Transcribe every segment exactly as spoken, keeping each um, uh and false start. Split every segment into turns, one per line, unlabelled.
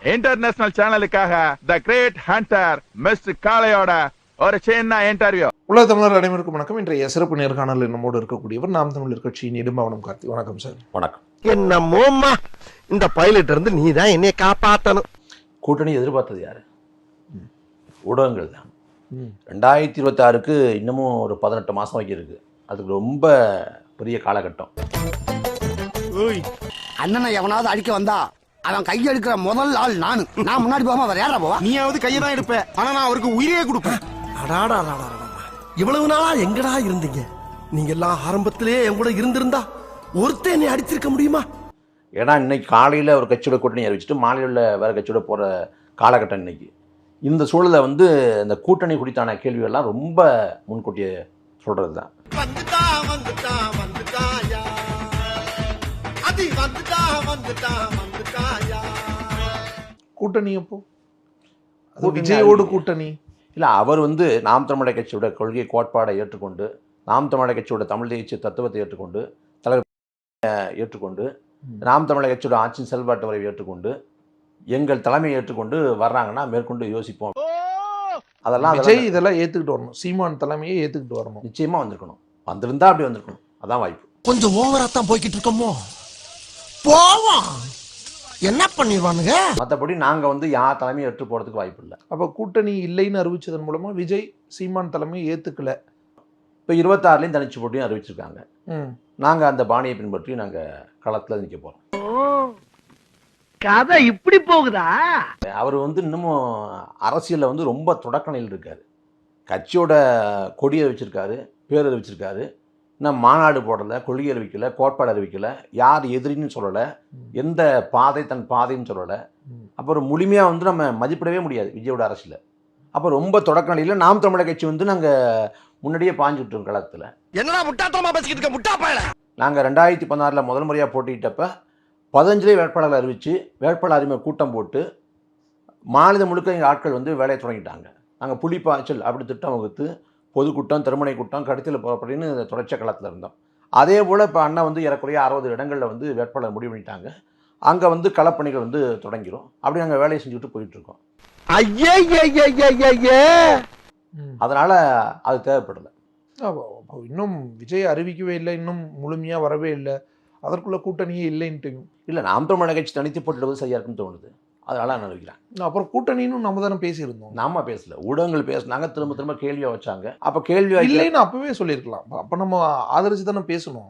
International சேனலுக்காக the great hunter mister காளையோட ஒரு சின்ன இன்டர்வியூ.
உலக தமிழர் அனைவருக்கும் வணக்கம். இன்றைய சிறப்பு நேர்காணல் நம்மோடு இருக்கக்கூடியவர் நாம் தமிழர் கட்சியின் இடும்பவனம் கார்த்தி. வணக்கம் சார்.
வணக்கம்.
என்ன மோம்மா, இந்த பைலட் இருந்து நீ தான் என்னைய காப்பாற்றணும்.
கூட்டணி எதிர்பார்த்தது யாரு? ஊடகங்கள் தான். ரெண்டாயிரத்தி இருபத்தி ஆறுக்கு இன்னமும் ஒரு பதினெட்டு மாசம் வைக்க இருக்கு. அதுக்கு ரொம்ப பெரிய காலகட்டம்.
அண்ணனை எவனாவது அடிக்க வந்தா அவன் கையை எடுக்கிற முதல் ஆள் நானு. நான் முன்னாடி போகாம வேற யாரா போவா?
நீயாவது கையை தான் எடுப்ப, ஆனா நான் அவருக்கு உயிரே கொடுப்பேன். அடாடா, இவ்வளவு நாளா எங்கடா இருந்தீங்க? நீங்க எல்லாம் ஆரம்பத்திலேயே என் கூட இருந்திருந்தா ஒருத்தர் என்னை அடிச்சிருக்க முடியுமா?
ஏன்னா இன்னைக்கு காலையில் ஒரு கட்சியோட கூட்டணி அறிவிச்சுட்டு மாலையில் உள்ள வேற கட்சியோட போகிற காலகட்டம் இன்னைக்கு. இந்த சூழலில் வந்து இந்த கூட்டணி குறித்தான கேள்விகள்லாம் ரொம்ப முன்கூட்டியே சொல்கிறது தான்.
கூட்டணி அப்போ விஜயோடு கூட்டணி
இல்லை, அவர் வந்து நாம் தமிழர் கட்சியோட கொள்கை கோட்பாடை ஏற்றுக்கொண்டு, நாம் தமிழர் கட்சியோட தமிழ் தேசிய தத்துவத்தை ஏற்றுக்கொண்டு, தலைவர் ஏற்றுக்கொண்டு, நாம் தமிழர் கட்சியோட ஆட்சியின் செயல்பாட்டு வரை ஏற்றுக்கொண்டு, எங்கள் தலைமையை ஏற்றுக்கொண்டு வர்றாங்கன்னா மேற்கொண்டு யோசிப்போம். அதெல்லாம்
விஜய் இதெல்லாம் ஏற்றுக்கிட்டு வரணும். சீமான் தலைமையை ஏற்றுக்கிட்டு வரணும்.
நிச்சயமா வந்திருக்கணும். வந்திருந்தா அப்படி வந்திருக்கணும். அதான் வாய்ப்பு.
கொஞ்சம் ஓவரா தான் போய்கிட்டு இருக்கோமோ. போவோம், என்ன பண்ணிடுவானுங்க.
மற்றபடி நாங்கள் வந்து யார் தலைமையை ஏற்று போகிறதுக்கு வாய்ப்பு இல்லை.
அப்போ கூட்டணி இல்லைன்னு அறிவிச்சதன் மூலமா விஜய் சீமான் தலைமையை ஏற்றுக்கல.
இப்போ இருபத்தாறுலையும் தனிச்சு போட்டியும் அறிவிச்சிருக்காங்க. நாங்கள் அந்த பாணியை பின்பற்றி நாங்கள் களத்தில் நிற்க போகிறோம்.
கதை இப்படி போகுதா?
அவர் வந்து இன்னமும் அரசியலில் வந்து ரொம்ப தொடக்க நிலையில் இருக்கார். கட்சியோட கொடியை வச்சிருக்காரு, பேர் அறிவிச்சிருக்காரு. இன்னும் மாநாடு போடலை, கொள்கை அறிவிக்கலை, கோட்பாடு அறிவிக்கலை, யார் எதிரின்னு சொல்லலை, எந்த பாதை தன் பாதைன்னு சொல்லலை. அப்புறம் முழுமையாக வந்து நம்ம மதிப்பிடவே முடியாது விஜயோட அரசியல். அப்போ ரொம்ப தொடக்க நிலையில் நாம் தமிழர் கட்சி வந்து நாங்கள் முன்னாடியே பாஞ்சுட்டோம் களத்தில்.
என்னடா முட்டாத்தமா பேசிக்கிட்டு இருக்க முட்டா பயல.
நாங்கள் ரெண்டாயிரத்தி பதினாறில் முதல் முறையாக போட்டியிட்டப்ப பதினஞ்சுலேயே வேட்பாளர்கள் அறிவித்து வேட்பாளர் அறிமுக கூட்டம் போட்டு மாநிலம் முழுக்க எங்கள் ஆட்கள் வந்து வேலையை தொடங்கிட்டாங்க. நாங்கள் புலிப்பாய்ச்சல் அப்படி திட்டம் வகுத்து பொதுக்கூட்டம், திருமணை கூட்டம், கடைசியில் அப்படின்னு தொடர்ச்சியாக களத்தில் இருந்தோம். அதே போல் இப்போ அண்ணன் வந்து ஏறக்குறைய அறுபது இடங்களில் வந்து வேட்பாளர் முடிவு பண்ணிட்டாங்க. அங்கே வந்து களப்பணிகள் வந்து தொடங்கிடும். அப்படி நாங்கள் வேலையை செஞ்சுக்கிட்டு போயிட்டுருக்கோம். அதனால் அது தேவைப்படலை.
இன்னும் விஜய் அறிவிக்கவே இல்லை, இன்னும் முழுமையாக வரவே இல்லை. அதற்குள்ள கூட்டணியே இல்லைன்ட்டு
இல்லை, நாம் தமிழர் கட்சி தனித்து போட்டுவது சரியாக இருக்குன்னு தோணுது. அதனால நான் நினைக்கிறேன்.
அப்புறம் கூட்டணின்னு நம்ம தானே பேசியிருந்தோம்.
நாம பேசல, ஊடகங்கள் பேசினாங்க, திரும்ப திரும்ப கேள்வியை வச்சாங்க. அப்போ கேள்வி
இல்லைன்னு அப்பவே சொல்லியிருக்கலாம். அப்போ நம்ம ஆதரிச்சு தானே பேசணும்.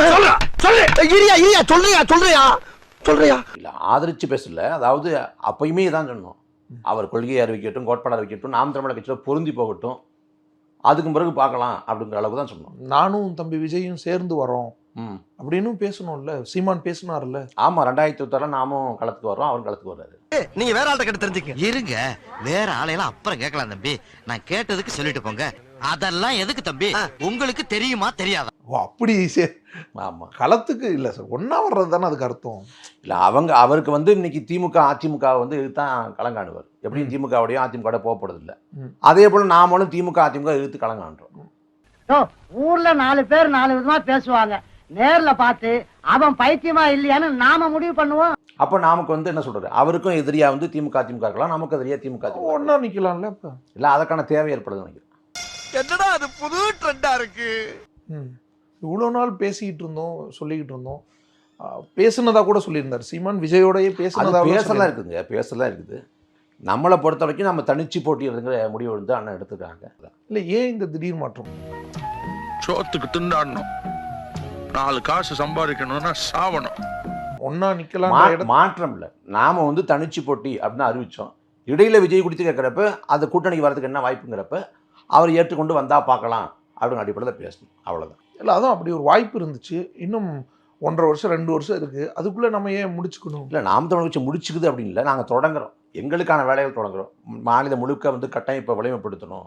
சொல்றியா இல்லை, ஆதரிச்சு பேசல. அதாவது அப்பயுமே தான் சொன்னோம், அவர் கொள்கையை அறிவிக்கட்டும், கோட்பாடு அறிவிக்கட்டும், நாம் தமிழர் கட்சியில் பொருந்தி போகட்டும், அதுக்கு பிறகு பார்க்கலாம் அப்படிங்கிற அளவுக்கு தான் சொன்னோம்.
நானும் தம்பி விஜயும் சேர்ந்து வரோம் அப்படின்னு பேசணும்ல. சீமான் பேசினார்ல.
ஆமா, ரெண்டாயிரத்தி இருபத்தாறுல நாமும் களத்துக்கு வர்றோம், அவரும் களத்துக்கு வர்றாரு.
நீங்க வேற ஆள்கிட்ட கேட்டு தெரிஞ்சுக்க.
இருங்க, வேற ஆளையெல்லாம் அப்புறம் கேட்கலாம் தம்பி. நான் கேட்டதுக்கு சொல்லிட்டு போங்க. அதெல்லாம் எதுக்கு தம்பி? உங்களுக்கு தெரியுமா தெரியாதா?
ஓ அப்படி.
ஆமா,
களத்துக்கு இல்லை சார், ஒன்னா வர்றது தானே அதுக்கு அர்த்தம்.
இல்லை, அவங்க அவருக்கு வந்து இன்னைக்கு திமுக அதிமுக வந்து இதுதான் களங்காணுவார். எப்படியும் திமுகவுடையும் அதிமுக போக போறது இல்லை. அதே போல நாமளும் திமுக அதிமுக எதிர்த்து களங்காணுறோம்.
ஊர்ல நாலு பேர் நாலு விதமா பேசுவாங்க. நேர்ல பார்த்து அவன் பைத்தியமா இல்லையான்னு நாம முடிவு பண்ணுவோம்.
அப்ப நமக்கு வந்து என்ன சொல்றது, அவருக்கும் எதிரியா வந்து திமுக அதிமுக இருக்கலாம், நமக்கு எதிரியா திமுக
ஒன்னா நிக்கலாம்ல. இப்ப
இல்ல, அதற்கான தேவை ஏற்படுது நினைக்கிறேன்.
என்னடா அது புது ட்ரெண்டா இருக்கு.
இவ்வளவு நாள் பேசிக்கிட்டு இருந்தோம், சொல்லிக்கிட்டு இருந்தோம். பேசுனதா கூட சொல்லியிருந்தார் சீமான். விஜயோடய பேசுனதா
பேசலாம் இருக்குதுங்க, பேசலாம் இருக்குது. நம்மளை பொறுத்த வரைக்கும் நம்ம தனிச்சு போட்டிடுங்கிற முடிவு வந்து அண்ணன் எடுத்துக்கிறாங்க.
இல்ல, ஏன் இந்த திடீர் மாற்றம்?
சோத்துக்கு திண்டாடணும், நாலு காசு சம்பாதிக்கணும்னா சாவணும்.
ஒன்னா நிக்கலாம்.
மாற்றம் இல்லை, நாம வந்து தனிச்சு போட்டி அப்படின்னு அறிவிச்சோம். இடையில விஜய் குடித்து கேட்குறப்ப அது கூட்டணிக்கு வரதுக்கு என்ன வாய்ப்புங்கிறப்ப அவர் ஏற்றுக்கொண்டு வந்தா பார்க்கலாம் அப்படின்னு அடிப்படையில் பேசணும், அவ்வளோதான்.
இல்லை, அதான் அப்படி ஒரு வாய்ப்பு இருந்துச்சு. இன்னும் ஒன்றரை வருஷம் ரெண்டு வருஷம் இருக்கு, அதுக்குள்ள நம்ம ஏன் முடிச்சுக்கணும்?
இல்லை, நாம் தமிழ் கட்சி முடிச்சுக்குது அப்படின்னு இல்லை, நாங்கள் தொடங்குறோம், எங்களுக்கான வேலைகள் தொடங்குறோம். மாநிலம் முழுக்க வந்து கட்டமைப்பை வலிமைப்படுத்தணும்.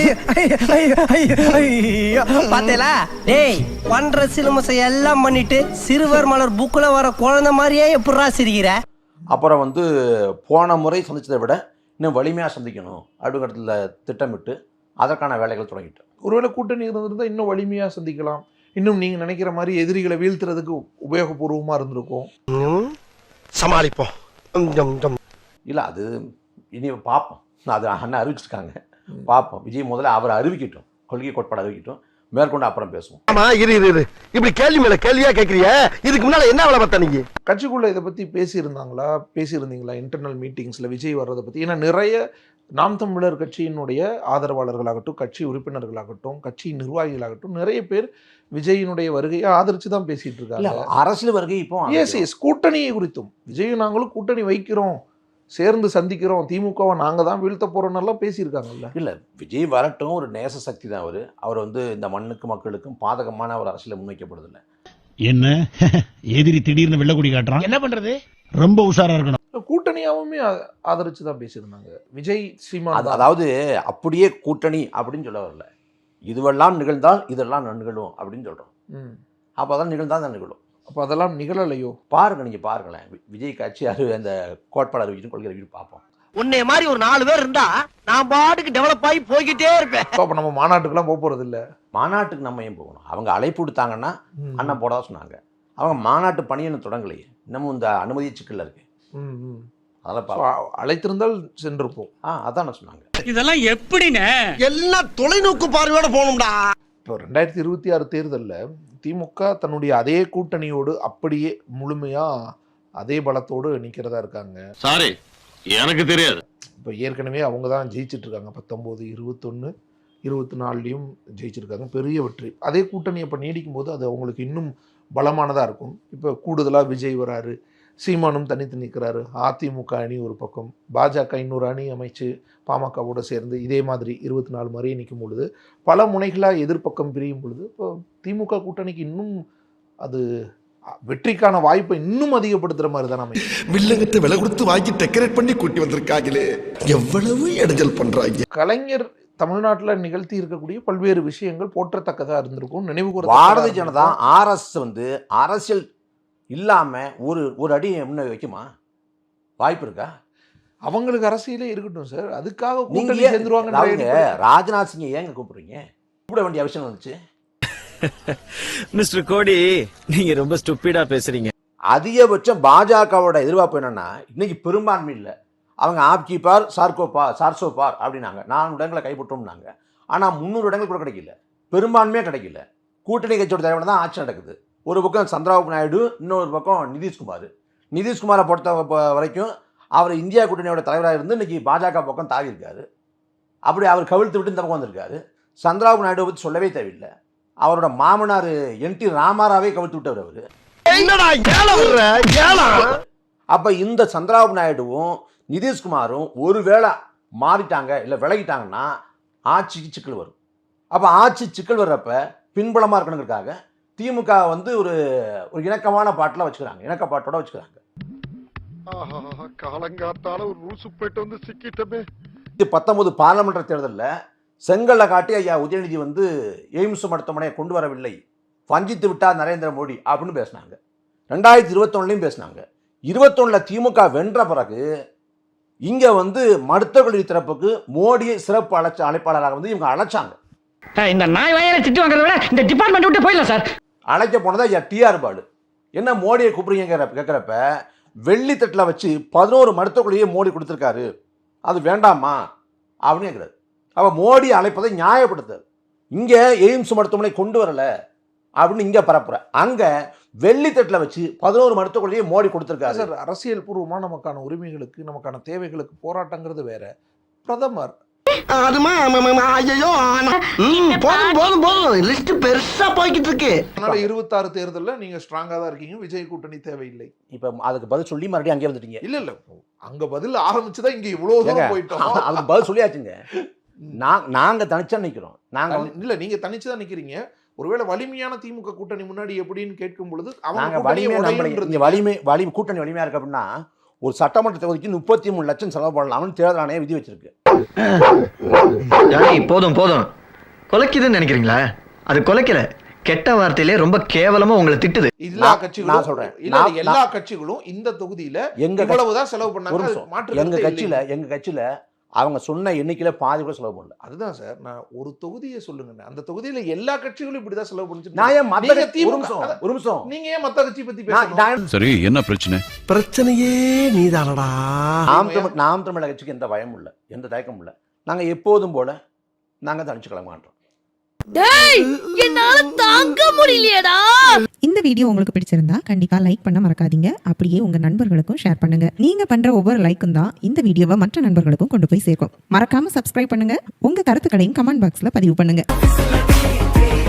பாத்தேலா டேய், பண்ற சிலுமசை எல்லாம் பண்ணிட்டு சிறுவர் மலர் புக்குல வர குழந்தை மாதிரியே எப்படா சிரிக்கிற?
அப்புறம் வந்து போன முறை சந்திச்சதை விட இன்னும் வலிமையாக சந்திக்கணும் அப்படிங்கிறதுல திட்டமிட்டு அதற்கான வேலைகள் தொடங்கிட்டோம்.
ஒருவேளை கூட்டணி இருந்திருந்தா இன்னும் வலிமையாக சந்திக்கலாம். இன்னும் நீங்க நினைக்கிற மாதிரி எதிரிகளை வீழ்த்துறதுக்கு உபயோகபூர்வமா இருந்திருக்கும்.
சமாளிப்போம்.
இல்லை அது இனி பார்ப்போம். அது அண்ணன் அறிவிச்சிருக்காங்க, பார்ப்போம். விஜய் முதல்ல அவர் அறிவிக்கட்டும், கொள்கை கோட்பாடு அறிவிக்கட்டும், மேற்கொண்டு அப்புறம் பேசுவோம்.
ஆமா இரு இரு இரு இப்படி கேள்வி மேல கேள்வியா கேக்குறிய, இதுக்கு முன்னால என்ன வேலை பார்த்த நீங்க?
கட்சிக்குள்ள இதை பத்தி பேசியிருந்தாங்களா பேசியிருந்தீங்களா இன்டர்னல் மீட்டிங்ஸ்ல விஜய் வர்றதை பத்தி? ஏன்னா நிறைய நாம் தமிழர் கட்சியினுடைய ஆதரவாளர்களாகட்டும், கட்சி உறுப்பினர்களாகட்டும், கட்சி நிர்வாகிகளாகட்டும் நிறைய பேர் விஜயினுடைய வருகையை ஆதரிச்சு தான் பேசிட்டு இருக்காங்க.
அரசியல் வருகை இப்போ
எஸ் எஸ் கூட்டணியை குறித்தும் விஜயும் நாங்களும் கூட்டணி வைக்கிறோம், சேர்ந்து சந்திக்கிறோம், திமுகவை நாங்க தான் வீழ்த்த போறோம்னு எல்லாம் பேசியிருக்காங்கல்ல.
இல்லை, விஜய் வரட்டும், ஒரு நேச சக்தி தான் அவர். அவர் வந்து இந்த மண்ணுக்கு மக்களுக்கும் பாதகமான ஒரு அரசியலை முன்வைக்கப்படுதில்லை.
என்ன எதிரி திடீர்னு வெள்ளக்குடி காட்டுறான், என்ன பண்றது? ரொம்ப உஷாரா இருக்கணும்.
கூட்டணியாவுமே ஆதரிச்சு தான் பேசியிருந்தாங்க விஜய் சீமான்.
அதாவது அப்படியே கூட்டணி அப்படின்னு சொல்ல வரல, இதுவெல்லாம் நிகழ்ந்தால் இதெல்லாம் நிகழும் அப்படின்னு சொல்றோம். அப்போ அதெல்லாம் நிகழ்ந்தால் தான் நிகழும்.
அப்போ அதெல்லாம் நிகழலையோ?
பாருங்க, நீங்க பாருங்களேன், விஜய் கட்சி அறி அந்த கோட்பாடு அறிவிச்சு கொள்கை அறிவிச்சு பார்ப்போம்.
உன்னை மாதிரி ஒரு நாலு பேர் இருந்தா நான் பாட்டுக்கு டெவலப் ஆகி போய்கிட்டே இருப்பேன்.
அப்போ நம்ம மாநாட்டுக்கெல்லாம் போக போறது இல்லை.
மாநாட்டுக்கு நம்ம ஏன் போகணும்? அவங்க அழைப்பு விடுத்தாங்கன்னா அண்ணன் போடதான் சொன்னாங்க. அவங்க மாநாட்டு பணியை தொடங்கலையே, இன்னமும் இந்த அனுமதி சிக்கல்ல இருக்கு. அதெல்லாம்
அழைத்திருந்தால் சென்றிருப்போம்.
ஆ அதான் சொன்னாங்க.
இதெல்லாம் எப்படின்னு
எல்லாம் தொலைநோக்கு பார்வையோட போகணும்டா.
இப்போ ரெண்டாயிரத்தி இருபத்தி ஆறு தேர்தலில் திமுக தன்னுடைய அதே கூட்டணியோடு அப்படியே முழுமையா அதே பலத்தோடு நிற்கிறதா இருக்காங்க.
சாரி, எனக்கு தெரியாது.
இப்போ ஏற்கனவே அவங்க தான் ஜெயிச்சிட்டு இருக்காங்க. பத்தொம்போது இருபத்தொன்று இருபத்தி நாலுலையும் ஜெயிச்சிருக்காங்க, பெரிய வெற்றி. அதே கூட்டணி இப்போ நீடிக்கும் போது அது அவங்களுக்கு இன்னும் பலமானதாக இருக்கும். இப்போ கூடுதலாக விஜய் வராரு, சீமானும் தனித்து நிற்கிறாரு, அதிமுக அணி ஒரு பக்கம், பாஜக இன்னொரு அணி அமைச்சு பாமகவோடு சேர்ந்து இதே மாதிரி இருபத்தி நாலு மாதிரியே நிற்கும் பொழுது, பல முனைகளாக எதிர்ப்பக்கம் பிரியும் பொழுது இப்போ திமுக கூட்டணிக்கு இன்னும் அது வெற்றிக்கான வாய்ப்பை இன்னும் அதிகப்படுத்துற மாதிரி தான் அமையும்.
வில்லங்கத்தை விலை கொடுத்து வாங்கி டெக்கரேட் பண்ணி கூட்டி வந்திருக்காங்களே, எவ்வளவு இடைஞ்சல் பண்றாங்க.
கலைஞர் தமிழ்நாட்டில் நிகழ்த்தி இருக்கக்கூடிய பல்வேறு விஷயங்கள் போற்றத்தக்கதாக இருந்திருக்கும், நினைவு கூற.
பாரதிய ஜனதா ஆர்எஸ் வந்து அரசியல் இல்லாம ஒரு ஒரு அடி முன்ன வைக்குமா? வாய்ப்பு இருக்கா?
அவங்களுக்கு அரசியலே இருக்கட்டும் சார், அதுக்காக
நீங்க
கூட்டணி சேர்ந்துருவாங்க.
ராஜ்நாத் சிங் ஏங்க கூப்பிடுறீங்க? கூப்பிட வேண்டிய அவசியம் வந்துச்சு.
மிஸ்டர் கோடி, நீங்க ரொம்ப ஸ்டூபிடா பேசுறீங்க.
அதிகபட்சம் பாஜகவோட எதிர்பார்ப்பு என்னன்னா, இன்னைக்கு பெரும்பான்மை இல்லை, அவங்க ஆப்கி பார் சார்கோ பார் சார்சோ பார் அப்படின்னாங்க, நானூறு இடங்களை கைப்பற்றோம்னாங்க. ஆனால் முந்நூறு இடங்கள் கூட கிடைக்கல, பெரும்பான்மையே கிடைக்கல. கூட்டணி கட்சியோட தலைவன் தான் ஆட்சி நடக்குது. ஒரு பக்கம் சந்திரபாபு நாயுடு, இன்னொரு பக்கம் நிதிஷ்குமார். நிதிஷ்குமாரை பொறுத்த வரைக்கும் அவர் இந்தியா கூட்டணியோட தலைவராக இருந்து இன்னைக்கு பாஜக பக்கம் தாவி இருக்காரு. அப்படி அவர் கவிழ்த்து விட்டு இந்த பக்கம் வந்திருக்காரு. சந்திரபாபு நாயுடு பற்றி சொல்லவே தேவையில்லை, அவரோட மாமனார் என் டி ராமாராவே கவிழ்த்து விட்டவர் அவர். அப்ப இந்த சந்திரபாபு நாயுடுவும் நிதிஷ்குமாரும் ஒருவேளை மாறிட்டாங்க இல்லை விலகிட்டாங்கன்னா ஆட்சிக்கு சிக்கல் வரும். அப்போ ஆட்சி சிக்கல் வர்றப்ப பின்புலமாக இருக்கணுங்கிறதுக்காக திமுக வந்து ஒரு ஒரு இணக்கமான பாட்டில் வச்சுக்கிறாங்க, இணக்கப்பாட்டோட வச்சுக்கிறாங்க.
காலங்காத்தால ஒரு ரூசு போயிட்டு வந்து சிக்கிட்டமே.
பத்தொன்பது பார்லமெண்ட் தேர்தலில் செங்கல்ல காட்டி ஐயா உதயநிதி வந்து எய்ம்ஸ் மருத்துவமனையை கொண்டு வரவில்லை, வஞ்சித்து விட்டார் நரேந்திர மோடி அப்படின்னு பேசினாங்க. ரெண்டாயிரத்தி இருபத்தொன்னுலையும் பேசினாங்க. இருபத்தொன்னுல திமுக வென்ற பிறகு இங்க வந்து மருத்துவக் கல்வி திறப்புக்கு மோடியை சிறப்பு அழைச்ச அழைப்பாளராக வந்து இவங்க அழைச்சாங்க.
இந்த நாய் வயலை திட்டு வாங்குறத விட இந்த டிபார்ட்மெண்ட் விட்டு போயிடலாம் சார்.
அழைக்க போனதா ஐயா டிஆர் பாலு. என்ன மோடியை கூப்பிடுறீங்க கேட்குறப்ப வெள்ளி தட்டில் வச்சு பதினோரு மருத்துவக் கல்வியை மோடி கொடுத்துருக்காரு, அது வேண்டாமா அப்படின்னு கேட்குறாரு. அப்போ மோடி அழைப்பதை நியாயப்படுத்துது. இங்கே எய்ம்ஸ் மருத்துவமனை கொண்டு வரல அப்படின்னு இங்கே பரப்புற, அங்கே வெள்ளித்தட்டில் வச்சு பதினோரு மருத்துவக் கல்வியை மோடி கொடுத்துருக்காரு.
சார், அரசியல் பூர்வமாக நமக்கான உரிமைகளுக்கு நமக்கான தேவைகளுக்கு போராட்டங்கிறது வேற. பிரதமர்
போதும் போதும் போதும் லிஸ்ட் பெருசா போய்கிட்டு இருக்கு.
அதனால இருபத்தாறு தேர்தலில் நீங்க ஸ்ட்ராங்கா தான் இருக்கீங்க, விஜய் கூட்டணி தேவையில்லை.
இப்ப அதுக்கு பதில் சொல்லி மறுபடியும் அங்கே வந்துட்டீங்க.
இல்ல இல்ல, அங்க பதில் ஆரம்பிச்சுதான் இங்க இவ்வளவு தூரம் போயிட்டோம்.
அதுக்கு பதில் சொல்லியாச்சுங்க. நாங்க தனிச்சா நிக்கிறோம். நாங்க
இல்ல, நீங்க தனிச்சுதான் நிக்கிறீங்க. ஒருவேளை வலிமையான திமுக கூட்டணி முன்னாடி எப்படின்னு கேட்கும் பொழுது
அவங்க வலிமை வலிமை கூட்டணி வலிமையா இருக்கு அப்படின்னா ஒரு சட்டமன்ற தொகுதிக்கு முப்பத்தி மூணு லட்சம் செலவு பண்ணலாம்னு தேர்தல் ஆணையம் விதி வச்சிருக்கு.
போதும் போதும், கொலைக்குதுன்னு நினைக்கிறீங்களா? அது கொலைக்கல, கெட்ட வார்த்தையிலே ரொம்ப கேவலமா உங்களை திட்டுது.
எல்லா கட்சிகளும் சொல்றேன், எல்லா கட்சிகளும் இந்த தொகுதியில எங்க இவ்வளவுதான் செலவு பண்ணாங்க.
எங்க கட்சியில எங்க கட்சியில அவங்க சொன்ன எண்ணிக்கையில் பாதி கூட செலவு பண்ணல.
அதுதான் சார், நான் ஒரு தொகுதியை சொல்லுங்க, அந்த தொகுதியில எல்லா கட்சிகளும் இப்படிதான் செலவு பண்ணிச்சு.
நான் ஏன் மத்த கட்சி- ஒரு நிமிஷம் ஒரு நிமிஷம்
நீங்க ஏன் மத்த கட்சி பத்தி
நான்
பேசணும்?
நான்
சரி, என்ன பிரச்சனை?
பிரச்சனையே நீதானடா.
நாம் தமிழ் நாம் தமிழக கட்சிக்கு எந்த பயமும் இல்லை, எந்த தயக்கமும் இல்லை. நாங்கள் எப்போதும் போல நாங்கள் தனிச்சு கிளம்ப மாட்டோம்.
என்னால தாங்க முடியலையடா.
இந்த வீடியோ உங்களுக்கு பிடிச்சிருந்தா கண்டிப்பா லைக் பண்ண மறக்காதீங்க. அப்படியே உங்க நண்பர்களுக்கும் ஷேர் பண்ணுங்க. நீங்க பண்ற ஒவ்வொரு லைக்கும் தான் இந்த வீடியோவை மற்ற நண்பர்களுக்கும் கொண்டு போய் சேர்க்கும். மறக்காம சப்ஸ்கிரைப் பண்ணுங்க. உங்க கருத்துக்களையும் கமெண்ட் பாக்ஸ்ல பதிவு பண்ணுங்க.